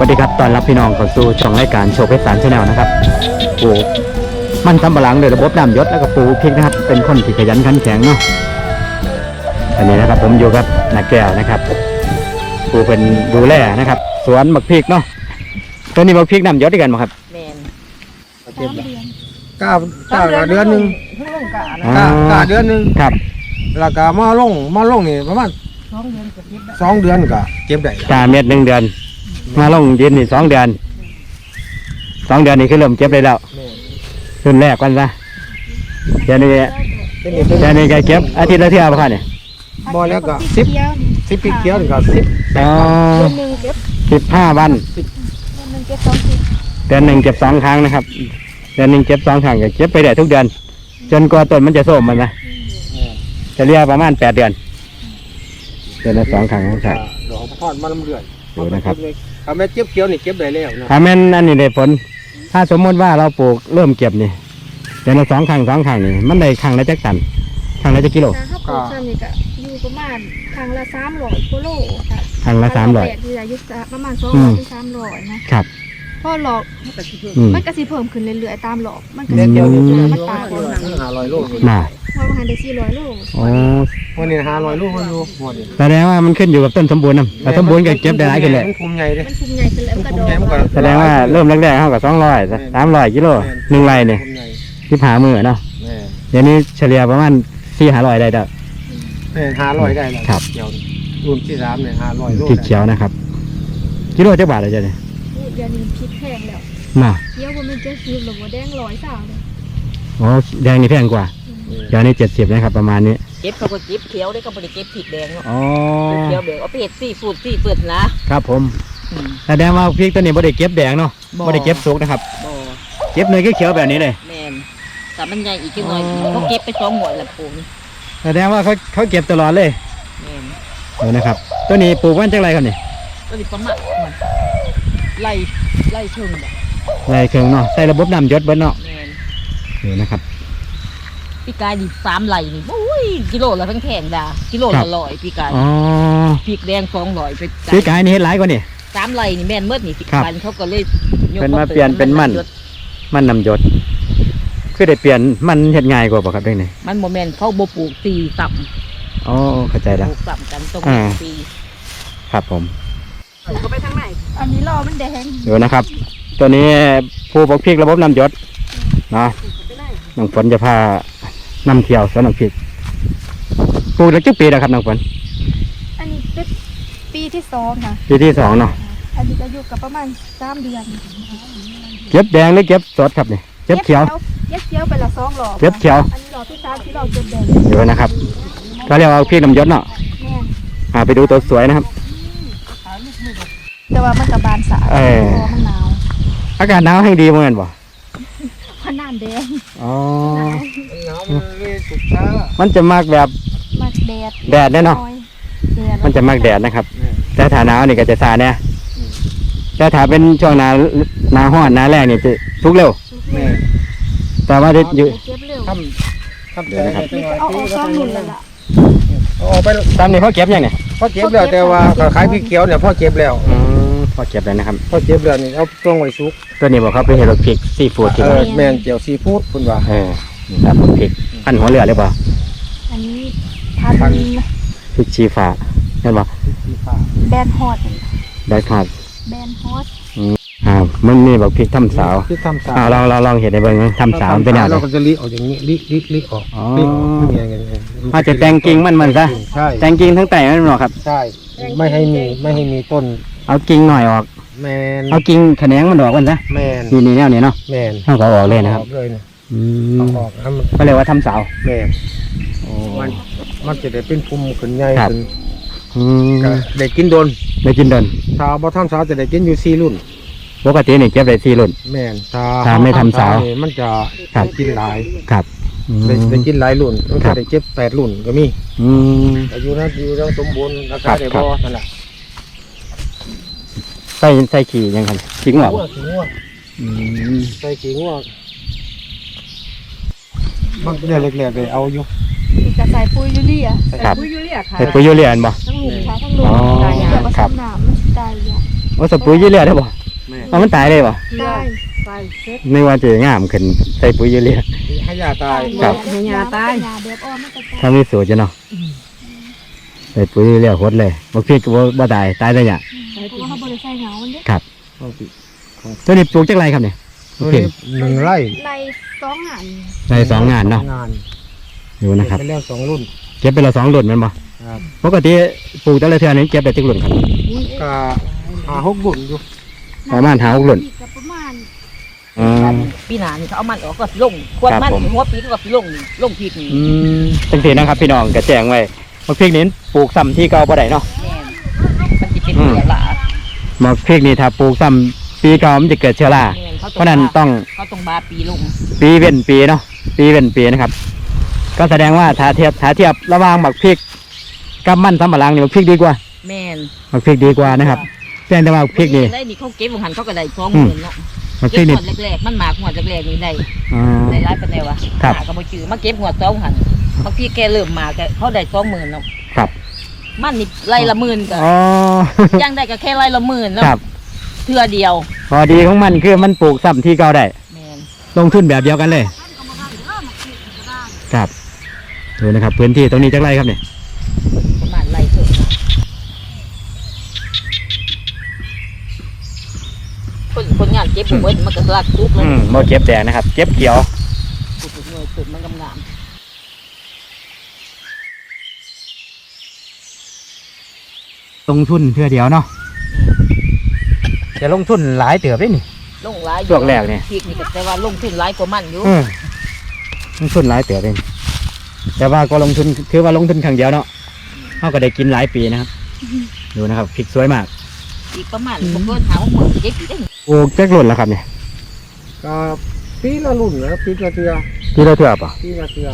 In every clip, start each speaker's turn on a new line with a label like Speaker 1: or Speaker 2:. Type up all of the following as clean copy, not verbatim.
Speaker 1: วัสดีครับตอนรับพี่น้องเข้าสู่ช่องรายการโชว์เพชรสารชาแนลนะครับปลูกมันสำปะหลังโดยระบบน้ำหยศแล้วก็ปลูกพริกนะครับเป็นคนที่ขยันขันแข็งเนาะอันนี้นะครับผมอยู่กับนาแก้วนะครับปลูกเป็นดูแลนะครับสวนบักพริกเนาะตัวนี้บักพริกน้ำหยศด้วยกันไหมครับ
Speaker 2: แมน
Speaker 3: กาเดือนหนึ่ง
Speaker 2: เพิ่งลงกะนะ
Speaker 3: กาเดือนหนึ่ง
Speaker 1: ครับ
Speaker 3: แล้วก็มาลงนี่ประมาณ2 เดือนก็เก็บได้
Speaker 1: กาเม็ด1 เดือนมาลงดินนี่2 เดือน2 เดือนนี่คือเริ่มเก็บได้แล้วขึ้นแรกกันซะเดี๋ยวนี้ก็เก็บอาทิตย์ละเท่าไหร่ครับเนี่ย
Speaker 3: บ่แล้วก็10ปีเขียวนี่ก็10
Speaker 1: อ๋อ
Speaker 2: หนึ่งเก็บ
Speaker 1: 15 วัน
Speaker 2: หนึ่งเก็บ2
Speaker 1: เดือนหนึ่งเก็บ2 ครั้งนะครับเดือนหนึ่งเก็บ2 ครั้งก็เก็บไปได้ทุกเดือนจนกว่าต้นมันจะส้มมันนะจะเรียกประมาณ8 เดือนเดือนละ2 ครั้งครับ
Speaker 3: ดอกพอดมันเรื่อย
Speaker 1: ดูนะครับ
Speaker 3: ถ้าแม่เก็บเขียวนี่เก็บได้แล้วนะ
Speaker 1: ถ้าแม่นอันนี้ได้ผลถ้าสมมติว่าเราปลูกเริ่มเก็บนี่เดือนละ2 ครั้ง2 ครั้งนี่มันได้ครั้งละจักตันครั้งละจักกิโล
Speaker 4: ถ้าปลูกซ้ำนี่ก็อยู่ประมาณครั้งละ300กิโลค่ะ
Speaker 1: ครั้งละ
Speaker 4: แปดที่อายุประมาณ200ถึง300นะครับพอหลอก
Speaker 1: อืม
Speaker 4: มันก็สิเพิ่มขึ้นเรื่อยๆตามหลอกมันก็
Speaker 3: เดี๋ยว
Speaker 4: สิ
Speaker 3: เดี๋ยว
Speaker 4: มันตายก่อน
Speaker 3: 500 โล
Speaker 1: น่ะ
Speaker 4: ว่ามันได้400 โล
Speaker 1: โอ้
Speaker 3: วันนี้500 โลมันอยู่หมดนี่
Speaker 1: แสดงว่ามันขึ้นอยู่กับต้นสมบูรณ์นะแต่สมบูรณ์ก็เก็บได้หลายขึ้นเลย
Speaker 3: มันคุมใหญ่เด้
Speaker 4: มันคุมใหญ่ขึ้นแล้วมันก็ดอก
Speaker 1: แสดงว่าเริ่มแรกๆเขากับ200 300 กิโล1 ไร่เนี่ย
Speaker 3: คุมใหญ่
Speaker 1: 15 มื้อเนาะ
Speaker 3: แม่
Speaker 1: เดี๋ยวนี้เฉลี่ยประมาณ400-500ได้แล้ว
Speaker 3: แม่500ได้แล้ว
Speaker 1: ครับ
Speaker 3: เขียวรุ่นที่3เนี่ย500 โล
Speaker 1: พริกเขียวนะครับกิโลจักบาทเลยจ้ะเนี่ย
Speaker 4: เดี๋ยวนี้พริกแพงแล้ว
Speaker 1: น่ะ
Speaker 4: เดี๋ยวบ่แม่น70หรอกบ่แดง100ซาวเลย
Speaker 1: อ๋อแดงนี่แพงกว่าเดี๋ยวนี้70นะครับประมาณนี้
Speaker 2: เก็บเขาก็เก็บเขียวได้ก็บริเก็บผิดแดงเนาะ
Speaker 1: อ๋อ
Speaker 2: เขียวแดงเอาไปเห็ดซี่ฟูดซี่เปิดนะครับ
Speaker 1: ผมแสดงว่าพริกตัวนี้บ่ได้เก็บแดงเนาะบ่ได้เก็บสุกนะครับ
Speaker 2: บ่
Speaker 1: เก็บเนยเขียวๆแบบนี้เลย
Speaker 2: แมนแต่มันใหญ่อีกจังหน่อยเขาเก็บไป2 หมวดละปูน
Speaker 1: แสดงว่าเขาเก็บตลอดเลย
Speaker 2: แมน
Speaker 1: ดูนะครับตัวนี้ปลูกวันจักไรครับนี่
Speaker 2: ก็ดิประมาณไล่เชิงแบบ
Speaker 1: ไรเครื่องเนาะใส่ระบบน้ำหยศเบิ้เนาะ
Speaker 2: แมน
Speaker 1: ดูนะครับ
Speaker 2: พี่กายดิ3 ไร่นี่โอ้ยกิโลละทั้งแข็งดากิโลละ100พี่กาย
Speaker 1: อ๋อ
Speaker 2: พริกแดง200ไป
Speaker 1: ซื้อกายนี่เฮ็ดหลายกว่านี่
Speaker 2: 3 ไร่นี่แม่นเมื่อนี่
Speaker 1: ครับ
Speaker 2: ปันเขาก็เลยยก
Speaker 1: เป็นมาเปลี่ยนเป็นมันน้ำหยศคือได้เปลี่ยนมันเฮ็ดง่ายกว่าป่ะครับเรื่องนี้
Speaker 2: มันโมเมนเขาบ่ปลูกตีต่
Speaker 1: อ๋อเข้าใจ
Speaker 2: ำป
Speaker 1: แล้ว
Speaker 2: ลูกต่ำกันตรง
Speaker 1: อ่า
Speaker 2: ตี
Speaker 1: ครับผม
Speaker 2: ปลูกก็ไปทางไหน
Speaker 4: อันนี้รอมันแดง
Speaker 1: ดูนะครับ ตัวนี้ผู้ปลูกพริกระบบน้ำหยศนะน้องฝนจะพานำเที่ยวสวนน้องพริกปลูกได้กี่ปีแล้วครับน้องฝน
Speaker 4: อันนี้เป็นปีที่2ค่ะ
Speaker 1: ปีที่2เนาะ
Speaker 4: อันนี้ก็อยู่กับประมาณ3 เดือน
Speaker 1: เก็บแดงหรือเก็บสดครับนี่เก็บเขียว
Speaker 4: เก็บเขียวไปละ2 หลอก
Speaker 1: เก็บเขียว
Speaker 4: อันนี้หลอกที่3ที่เราเก็บแดง
Speaker 1: ดูนะครับก็เรียกว่าพริกน้ำหยศเนาะ
Speaker 4: แม่น
Speaker 1: ไปดูตัวสวยนะครับ
Speaker 4: แต่ว่ามันกับบานสา
Speaker 1: เออ
Speaker 4: พอมันหนาว
Speaker 1: อากาศหนาวแห่งดีเหมือนกันบ่
Speaker 4: เพราะน้ำแดง
Speaker 1: อ๋อ
Speaker 3: หนาวมันเลยสุกช้า
Speaker 1: มันจะมากแบบ
Speaker 4: มักแดด
Speaker 1: แดดแน่เนาะ
Speaker 4: อยแดด
Speaker 1: มันจะมากแดดนะครับ แต่ถ้าหนาวนี่ก็จะซาแน่แต่ถ้าเป็นช่วงหนาร้อนหนาแรงนี่จะทุกเร็ว
Speaker 3: แม่
Speaker 1: แต่ว่าจะอยู่
Speaker 4: เก็บเร็ว
Speaker 3: ทำใจให้จังหวะ
Speaker 4: เอาออกซ้อมหนุนเลยล่ะ
Speaker 3: เอาไป
Speaker 1: ตามนี้เขาเก็บยังเนี่ย
Speaker 3: พอเก็บแล้วแต่ว่าก็ขายพริกเขียวเนี่ยพอเก็บแล้ว
Speaker 1: พอเก็บแล้วนะครับ
Speaker 3: พอเก็บแล้วนี่เอาตรงไว้สุก
Speaker 1: ตัวนี้บอกเขาไปเห็ดพริกซีฟู้ดที่ว่า
Speaker 3: แม่นเจียวซีฟู้ดคุณว่า
Speaker 1: นี่ครับพริกพันหัวเรือหรือเปล่า
Speaker 4: อันนี้พัน
Speaker 1: พริกชีฟ้าเห็นป่ะ
Speaker 4: แบนฮอต
Speaker 1: ได้ครับ
Speaker 4: แบนฮอต
Speaker 1: มันมีบอกพริกทำสาว
Speaker 3: ที่ทำสา
Speaker 1: ลองเห็นในเบิ้งทำสาวมันเป็นยังไง
Speaker 3: เราก็จะลิออกอย่างนี้ลิออก
Speaker 1: อ๋อ
Speaker 3: ลิออกอย่างเงี้ย
Speaker 1: อาจจะแต่งกิ่งมันซะ
Speaker 3: ใช่
Speaker 1: แต่งกิ่งทั้งแต่มันหรอกครับ
Speaker 3: ใช่ไม่ให้มีต้น
Speaker 1: เอากิ่งหน่อยออก
Speaker 3: แมน
Speaker 1: เอากิ่งแขนงมันออกมันซะ
Speaker 3: แมน
Speaker 1: นี่แนวนี้เนาะ
Speaker 3: แมน
Speaker 1: เขาก็ออกเลยนะครับ
Speaker 3: ออกเลยนะ
Speaker 1: อื
Speaker 3: เอา
Speaker 1: ม
Speaker 3: ออกให้มัน
Speaker 1: ก็เรียกว่าทำสาว
Speaker 3: แมนมันจะได้เป็นภูมิขึ้นใหญ่
Speaker 1: ครับ
Speaker 3: ขึ้น
Speaker 1: อืม
Speaker 3: ก็ได้กินโดน
Speaker 1: ได้กินเดิน
Speaker 3: ชาวบ่ทำสาวจะได้กินอยู่4 รุ่น
Speaker 1: ปกตินี่เก็บได้4 รุ่น
Speaker 3: แมน
Speaker 1: ถ้าไม่ทำสาว
Speaker 3: นี่มันจะ
Speaker 1: ครับ
Speaker 3: กินหลาย
Speaker 1: ครับอืม
Speaker 3: ได้กินหลายรุ่นมัน
Speaker 1: ครั
Speaker 3: จะ
Speaker 1: บ
Speaker 3: ได้เก็บ8 รุ่นก็มี
Speaker 1: อืม
Speaker 3: อายุนั้นอยู่ยังสมบูรณ์รา
Speaker 1: ครั
Speaker 3: คา
Speaker 1: บ
Speaker 3: ได้
Speaker 1: ครับ
Speaker 3: บ่นั่นแหละ
Speaker 1: ใส่ขี่ยังไงขิงหรอ
Speaker 3: ขี้งัว
Speaker 1: อืม
Speaker 3: ใส่ขี้งัวบางเดือนเล็กๆเลยเอาอยู่
Speaker 4: จะใส่ปุ๋ยยูเรีย
Speaker 1: ครับ
Speaker 2: ปุ๋ยยูเรียค่ะ
Speaker 1: เห็ดปุ๋ยยูเรียนบ่
Speaker 4: ทั้งหลุมค่ะทั้งหลุม
Speaker 1: อ๋อ
Speaker 4: ตายยาผ
Speaker 1: ค
Speaker 4: ส
Speaker 1: รับ
Speaker 4: มน้ำมันสิตายยา
Speaker 1: โอ้สปุ๋ยยูเรียได้บ่
Speaker 3: แม่
Speaker 1: เอามันตายเลยบ่
Speaker 4: ได้
Speaker 1: ไม่ว่าจะงามขึ้นใส่ปุ๋ยยูเรีย
Speaker 3: ให้ยาตาย
Speaker 1: ครับ
Speaker 4: ให้ยาตายยาแบบอ้อมไม่กระจาย
Speaker 1: ถ้ามีสูตรจะเนาะใส่ปุ๋ยยูเรียโคตรเลยบ่พริกก็บ่ตายตายได้ยัง
Speaker 4: เพราะว่าเขาบริใส่เหงามันเด้
Speaker 1: ครับตัวนี้ปลูกจักไรครับเนี่ยโอเค
Speaker 3: 1 ไร่
Speaker 4: ใน2 หัน
Speaker 1: ใส่2 งานเนาะ
Speaker 3: งาน
Speaker 1: ดูนะครับ
Speaker 3: เป็นเรื่อง2 รุ่น
Speaker 1: เก็บไปละ2 รุ่นแมันบ่
Speaker 3: ครับ
Speaker 1: ปกติปลูกแต่ละเทื่อนี้เก็บได้จักรุ่นครับ
Speaker 3: ก็5-6 รุ่นอยู่
Speaker 1: ประมาณ5-6รุ่น
Speaker 4: กับประมาณ
Speaker 1: อ๋อ
Speaker 2: ปีหน้านี่เขาเอามันออกก็สิลงควร
Speaker 1: ครับ
Speaker 2: มัน
Speaker 1: ผม
Speaker 2: หัวปีก็สิลงนี่ลงพริกนี่
Speaker 1: จังซี่นะครับพี่น้องก็แจ้งไว้มักพริกนี้ปลูกซ้ำที่เก่าบ่ได้เนาะ
Speaker 2: แม่นมันสิเป็นเสียละ
Speaker 1: มักพริกนี่ถ้าปลูกซ้ำปีเก่ามันจะเกิดเชื้อรา
Speaker 2: แม่น
Speaker 1: เพราะนั้นต้อง
Speaker 2: เขาต้องบาปีลง
Speaker 1: ปีเว้นปีเนาะปีเว้นปีนะครับ ก็แสดงว่าถ้าเทียบระหว่างหมักพริกกับมันสำปะหลังนี่หมักพริกดีกว่า
Speaker 2: แม่น
Speaker 1: หมักพริกดีกว่านะครับเพียงแต่ว่าพริกนี่
Speaker 2: ได้นี่เขาเก็บของหันเขาก็ได้20,000เนาะ
Speaker 1: หมักพ
Speaker 2: เก็
Speaker 1: ริ
Speaker 2: บ
Speaker 1: ก
Speaker 2: ห
Speaker 1: นี่
Speaker 2: วดแรกๆมันหมากหวดแรกๆนี่ได้
Speaker 1: อ่า
Speaker 2: ได้หลายปานใดวะ
Speaker 1: ครับ
Speaker 2: หาก็บ่จือมาเก็บหวด2หันบางทีแกเริ่มมาก็เขาได้20,000เนาะ
Speaker 1: ครับ
Speaker 2: มันนี่ไร่ละหมื่นก็
Speaker 1: อ๋อ
Speaker 2: ยังได้ก็แค่ไร่ละหมื่นเนาะ
Speaker 1: ครับ
Speaker 2: เทื่อเดียว
Speaker 1: พอดีของมันคือมันปลูกซ้ำที่เก่าได้
Speaker 2: แม่น
Speaker 1: ลงทุนแบบเดียวกันเลย ครับดูนะครับพื้นที่ตรงนี้จักไรครับเนี่ย
Speaker 2: ประมาณไร่เถิดนะคนงานเก็บบ่เบิดมันก็ลากทุกเลย
Speaker 1: โมเก็บแดงนะครับเก็บเขียว
Speaker 2: ปลูกหน่วยปลูกมันงาม
Speaker 1: ลงทุนเพื่อเดียวเนาะจะลงทุนหลายเติบได้นี่
Speaker 2: ลงหลายอยู่
Speaker 1: ช่วงแรกนี่
Speaker 2: พริกนี่ก็แต่ว่าลงทุนหลายกว่ามันอยู่
Speaker 1: ลงทุนหลายเติบเองแต่ว่าก็ลงทุนคือว่าลงทุนครั้งเดียวเนาะเขาก็ได้กินหลายปีนะครับ ดูนะครับพริกสวยมาก
Speaker 2: อีกประมาณบ่เกิน50,000เก็บอีกได้
Speaker 1: ปลูกแจ็คหล่นแล้วครับเนี่ย
Speaker 3: ก็ปีละรุ่นแล้วปีละเทื่อ
Speaker 1: พี่เราเถื่อป่ะ
Speaker 3: ปีละเทื่อ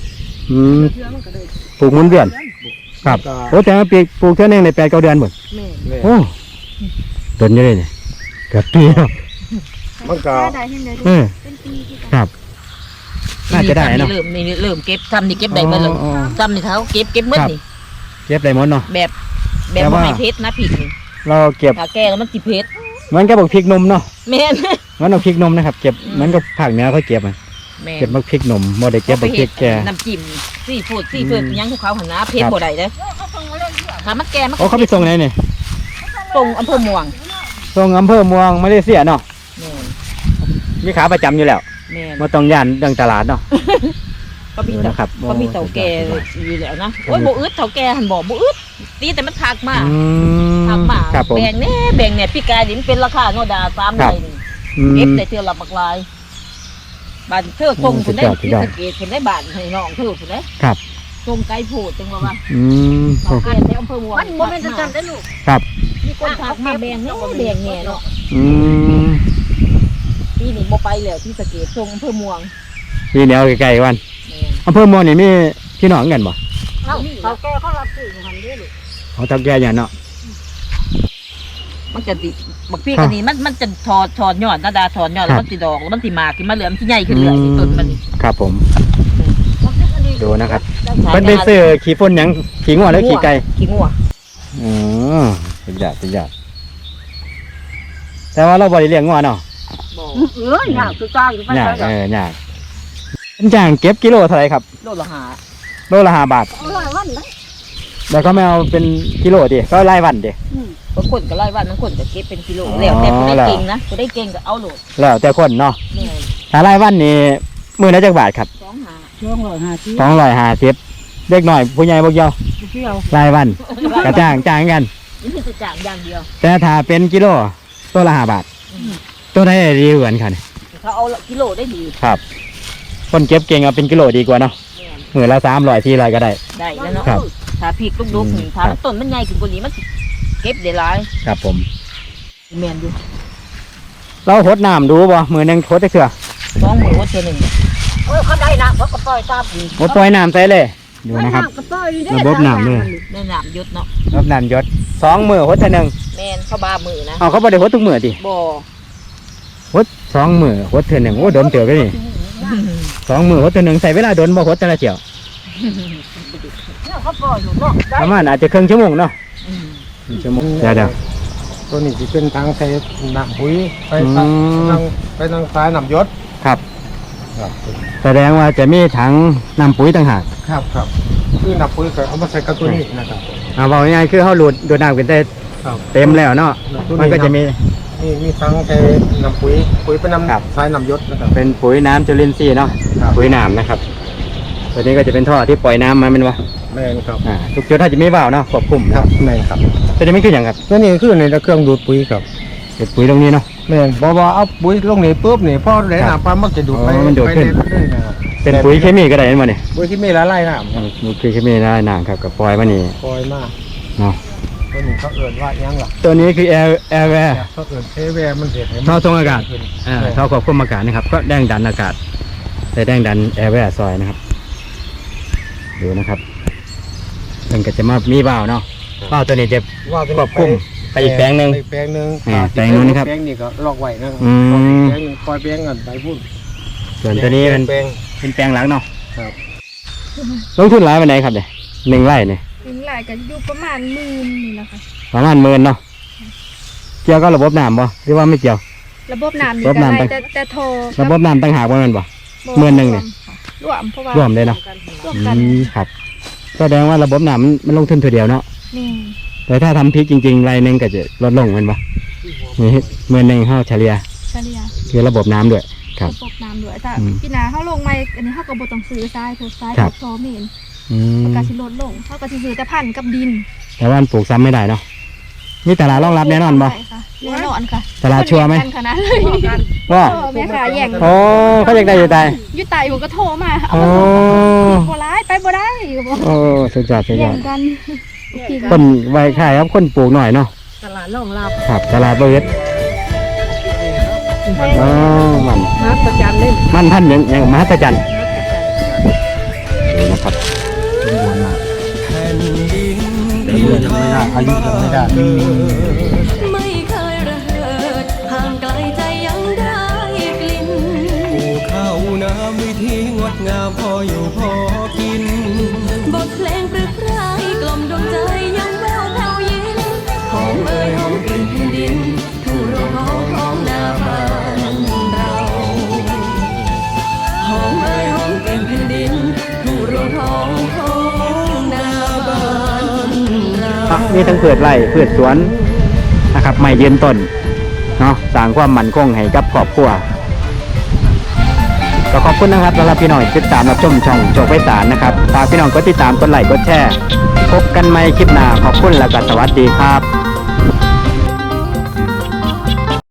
Speaker 1: ปลูกหมุนเวียนครับ
Speaker 3: ก็
Speaker 1: โอ้แต่ว่าปลูกเท่านึงใน8-9 เดือนหมด
Speaker 2: แม่น
Speaker 3: แม่
Speaker 1: โอ้ต้นเยอะเลยเนี่ยเกือบปีแล้ว
Speaker 3: มันก็
Speaker 4: ได้เห็นเลย
Speaker 1: เออ
Speaker 4: เป็นปีที่
Speaker 1: ครับ น่าจะได้เนาะ
Speaker 2: เริ่มเก็บซ้ำนี่เก็บได้เบิดแล้ว
Speaker 1: อ๋อ
Speaker 2: ซ้ำนี่เขาเก็บหมด
Speaker 1: ครับ
Speaker 2: นี่
Speaker 1: เก็บได้หมดเนาะ
Speaker 2: แบบ
Speaker 1: แต่
Speaker 2: บ่
Speaker 1: ว่า
Speaker 2: ให้เพชรนะพริกนี่
Speaker 1: เราเก็บ
Speaker 2: ถ้าแก่แล้วมันสิเพชร
Speaker 1: เหมือนกับบักพริกนมเนาะ
Speaker 2: แม่น
Speaker 1: เหมือนบักพริกนมนะครับเก็บเหมือนกับภาคเหนือเขาเก็บอะ
Speaker 2: แม่น
Speaker 1: เก็บบักพริกนมบ่ได้เก็บบักพริกแก่
Speaker 2: น้ำจิ้มซีฟู้ดยังของเขาหันนะเพชรบ่ได้เด้อถ้ามันแก่มัน
Speaker 1: โอ้เขาไปส่งไหนเนี่ย
Speaker 2: ส่งอำเภอม่วง
Speaker 1: ส่งอำเภอเมืองมาเลเซียเนาะ
Speaker 2: แม่น
Speaker 1: มีขาประจำอยู่แล้ว
Speaker 2: แม่น
Speaker 1: มาต้องย่านเรื่องตลาดเนาะ
Speaker 2: ก็มี
Speaker 1: ดูนะครับ
Speaker 2: ก็มีเต่าแก่อยู่แล้วนะโอ้ยบ่อึดเต่าแก่หันบอกบ่อึดตีแต่มันทักมา
Speaker 1: อื
Speaker 2: ทักมา
Speaker 1: ครับผม
Speaker 2: แบ่งเนี่ยพี่กายนี่มันเป็นราคาโนดา3
Speaker 1: ครั
Speaker 2: ไร่
Speaker 1: บ
Speaker 2: นี่
Speaker 1: อืม
Speaker 2: เก็บได้เทื่อละบักลายบ้านเธอส่งคุณได้
Speaker 1: สุด
Speaker 2: ที่
Speaker 1: ยอด
Speaker 2: สะเกตคุณได้บ้านให้น้องเธอคุณได้
Speaker 1: ครับ
Speaker 2: ส่งไกลโพดจังว่า
Speaker 1: อืม
Speaker 2: เต่าแก่ในอำเภอม่วงมันบ่แม่นจังได้ลูก
Speaker 1: ครับ
Speaker 2: มีคนทักมาแบ่งแหน่เนาะ
Speaker 1: อืม
Speaker 2: ปีนี้บ่ไปแล้วที่สะเกตส่งอำเภอม่วง
Speaker 1: พี่เหนียวใกล้ๆกัน
Speaker 2: แม่น
Speaker 1: อำเภอเมืองนี่มีพี่น้องกันบ่
Speaker 2: เขาแก่เขารับซื้อของมันเด้อลูก
Speaker 1: เขาทักแก่อย่างเนาะ
Speaker 2: มันจะดิบักพี่กันนี่มันจะถอดยอดนาดาถอดยอดแล้วมันสิดอกแล้วมันสิหมากขึ้นมาเหลือมนสิใหญ่ขึ้นเรื่อยๆต้นมันนี่
Speaker 1: ครับผม ดูนะครับเพิ่นไปซื้อขี้ฝุ่นหยังขี้งัวแล้วขี้ไก่
Speaker 2: ขี้งัว
Speaker 1: อ๋อสุดยอดสุดยอดแต่ว่าเราบ่ได้เลี้ยงงัวเนาะ
Speaker 2: ยากคือจ้างอยู่
Speaker 1: ยากยากเป็นจ้างเก็บกิโลเท่าไหร่ครับ
Speaker 2: โลละหา
Speaker 1: โลละ5 บาทแล้วก็ไม่เอาเป็นกิโลดิก็รายวันดิ
Speaker 2: บางคนก็ไล่ว่าบางคนก็เก็บเป็นกิโลแล้วแต่ผู้ได้เก่งนะผู้ได้เก่งก็เอาโหลด
Speaker 1: แล้วแต่คนเนาะ
Speaker 2: แม่
Speaker 1: ถ้ารายวันนี่มื้อละจักบาทครับ 250เด็กน้อยผู้ใหญ่บ่เกี่ยวรายวันก็จ้างกัน
Speaker 2: นี่คือจ้างอย่างเดียว
Speaker 1: แต่ถ้าเป็นกิโลตัวละ5 บาทตัวได้ดีกว่ากันค่ะ
Speaker 2: เขาเอากิโลได้ดี
Speaker 1: ครับ คนเก็บเก่งเอาเป็นกิโลดีกว่าเนาะ
Speaker 2: แม่
Speaker 1: มื้อละ300 400ก็ได้
Speaker 2: ได้แล้วเนาะ
Speaker 1: ครับ
Speaker 2: ถ้าพริกลูกๆนี่ถ้าต้นมันใหญ่ขึ้นกว่านี้มันสิเก็บได้หลาย
Speaker 1: ครับผม
Speaker 2: แม่นอยู่
Speaker 1: เราหดน้ำดูบ่มื้อนึงหดจักเทื่อ
Speaker 2: 2 มื้อว่าเทื่อหนึงเขาได้นะเขาก็ปล่อยตามนี่
Speaker 1: หดปล่อยน้ำใส่เลยดูนะครับ ระบบน้ำเลย
Speaker 2: ในน้ำหยดเนาะ
Speaker 1: ระบบน้ำหยศ2มื้อหดเท่านึง
Speaker 2: แม่นเขาบามือนะ
Speaker 1: เอาเขาบ่ได้หดทุกมื้อติ
Speaker 2: บ่
Speaker 1: หด2 มื้อหดเท่านึงโอ้โดนเติบเลยนี่2 มื้อหดเท่านึงใส่เวลาโดนบ่หดแต่ละเที่ยว
Speaker 2: เขาปล่อยอยู่เนาะ
Speaker 1: ประมาณอาจจะครึ่งชั่วโมงเนาะ
Speaker 2: อืม
Speaker 1: 1 ชั่วโมงเดี๋ยว
Speaker 3: ตัวนี้จะเป็นทางใช้น้ำปุ๋ยไป
Speaker 1: อื
Speaker 3: ทาง
Speaker 1: ม
Speaker 3: ไปทางซ้ายน้ำยศ
Speaker 1: ครับ
Speaker 3: ครับ
Speaker 1: แสดงว่าจะมีถังนำปุ๋ยต่างหาก
Speaker 3: ครับคือน้ำปุ๋ยก็เอามาใส่กับตัวนี้นะครับ
Speaker 1: เอาบอกง่ายๆคือเขาดูดน้ำกันได้
Speaker 3: ครับ
Speaker 1: เต็มแล้วเนาะมันก็จะมี
Speaker 3: มีทางใช้น้ำปุ๋ยเป็นน้
Speaker 1: ครับ
Speaker 3: ำซ้ายน้ำยศนะครับ
Speaker 1: เป็นปุ๋ยน้ำจุลินทรีย์เนาะ
Speaker 3: ครับ
Speaker 1: ปุ๋ยน้ำนะครับตัวนี้ก็จะเป็นท่อที่ปล่อยน้ำมาเป็นวะ
Speaker 3: แม่นครับ
Speaker 1: ทุกจุดถ้าจะมีว่าวเนาะควบคุม
Speaker 3: ครับแม่นครับ
Speaker 1: ตัวนี้ไม่คืออย่างครับ
Speaker 3: ตัวนี้คือในเครื่องดูดปุ๋ยครับ
Speaker 1: เป็นปุ๋ยตรงนี้เนาะ
Speaker 3: แม่นบอกว่าเอาปุ๋ยลงนี่ปุ๊บนี่พอได้น้ำปั๊มมันจะดูดไป
Speaker 1: อ๋อมันดูดขึ้น
Speaker 3: ไปเรื่อยๆนะครับ
Speaker 1: เป็นปุ๋ยเคมีก็ได้เห็นบ่เนี่ย
Speaker 3: ปุ๋ยที่มีละลายน้ำครับ
Speaker 1: ปุ๋ยเคมีได้น้ำครับกับปล่อยมานี่
Speaker 3: ปล่อยมา
Speaker 1: เนาะ
Speaker 3: ตัวนี้เขาเอิ้นว่าหยังล่ะ
Speaker 1: ตัวนี้คือแอร์แวร์
Speaker 3: เขาเอิ้นเทแวร์มันเห็ดให้มัน
Speaker 1: ท่อส่งอากาศ
Speaker 3: ขึ้น
Speaker 1: ท่อควบคุมอากาศนะครับก็แรงดันอากาศแต่แรงดันแอร์แวร์ซอยนะครับดูนะครับมันก็จะมามีว่าวเนาะว่าวตัวนี้จะ
Speaker 3: ว่าเป็น
Speaker 1: ควบคุมไปอีกแปลงหนึ่ง
Speaker 3: ไปอีกแปลงหนึ่ง
Speaker 1: แปลงนู้นนะครับ
Speaker 3: แปลงนี้ก็ลอกไว้นะครับ
Speaker 1: อืม
Speaker 3: แปลงหนึ่งปล่อยแปลงกันไปพุ่น
Speaker 1: ส่วนตัวนี้เป็น
Speaker 3: แปลง
Speaker 1: เป็นแปลงหลังเนาะ
Speaker 3: ครับ
Speaker 1: ลงทุนหลายวันไหนครับเนี่ย1 ไร่เนี่ย
Speaker 4: เป็นหลายกันอยู่ประมาณ10,000นี่แหละค่ะ
Speaker 1: ประมาณ10,000เนาะเกี่ยวกับระบบน้ำบ่หรือว่าไม่เกี่ยว
Speaker 4: ระบบน้ำนี่
Speaker 1: ระบบ
Speaker 4: ก็
Speaker 1: น้ำ
Speaker 4: ได้
Speaker 1: ไป
Speaker 4: แต่โทร
Speaker 1: ระบบน้ำต่างหากว่ามันบ่ 10,000เนี่ย
Speaker 4: รวมเพราะว่าร
Speaker 1: วมเลยเนาะ
Speaker 4: รวมกัน
Speaker 1: ครับแสดงว่าระบบน้ำมันลงทุนทีเดียวเนาะ
Speaker 4: นี่
Speaker 1: แต่ถ้าทำพริกจริงๆรายหนึงก็จะลดลงแมันบ่นี่10,000เฮาเฉลี่ย
Speaker 4: เฉลี่ย
Speaker 1: คือระบบน้ำด้วยครับ
Speaker 4: ระบบน้ำด้วยถ้า
Speaker 1: อืม
Speaker 4: พี่นาเฮาลงมาอันนี้เฮาก็บ่ต้องซื้อทรายเถอะทราย
Speaker 1: ครับ
Speaker 4: พอเมน
Speaker 1: อืม
Speaker 4: มันก็สิลดลงเฮาก็สิซื้อแต่พันธุ์กับดิน
Speaker 1: แต่ว่ามันปลูกซ้ำไม่ได้เนาะมีตลาดรองรับแน่นอนบ่
Speaker 4: ใช่ค่ะแน่นอนค่ะ
Speaker 1: ตลาดชัวร์ไหม
Speaker 4: คนแย่งกันขนาดเลย
Speaker 1: ว่า
Speaker 4: แม่ค่ะแย่ง
Speaker 1: โอ้เขาอยากได้อยู่ตาย
Speaker 4: อยู่ไต่ผมก็โทรมาเอา
Speaker 1: โอ้
Speaker 4: มาบ่ร้ายไปบ่ได้ก็บอก
Speaker 1: โอ้สุดยอดสุดย
Speaker 4: แย่
Speaker 1: อด
Speaker 4: งกันพี่
Speaker 1: ต้นไว้ขายครับคนปลูกหน่อยเนาะ
Speaker 2: ตลาดรองรับ
Speaker 1: ครับตลาดเบิดอ๋อมัน
Speaker 2: นักประจำเล่น
Speaker 1: มันท่านอย่างมหัศจรรย์นี่นะครับ
Speaker 3: เดือนไม่ได้อายุยังไม่ได้
Speaker 5: ไม่เคยระเหิดห่างไกลใจยังได้กลิ่น
Speaker 6: ปลูกข้าวน้ำวิธีงดงามพออยู่พอกิน
Speaker 5: บทเพลงปรึกไพรกล่อมดวงใจยังแววแผ่วยินหอมเอ่ยหอมกลิ่นแผ่นดินทุ่งโรงหอมของนาบ้านเราหอมเอ่ยหอมกลิ่นแผ่นดินทุ่งโรงหอมของนาบ้านเรา
Speaker 1: มีทั้งพืชไร่พืชสวนนะครับไม่ยืนต้นเนาะสร้างความมั่นคงให้กับครอบครัวก็ขอบคุณนะครับสำหรับพี่น้องติดตามรับชมช่องโชคไพศาลนะครับฝากพี่น้องกดติดตามกดไลค์กดแชร์พบกันใหม่คลิปหน้าขอบคุณและก็สวัสดีครับ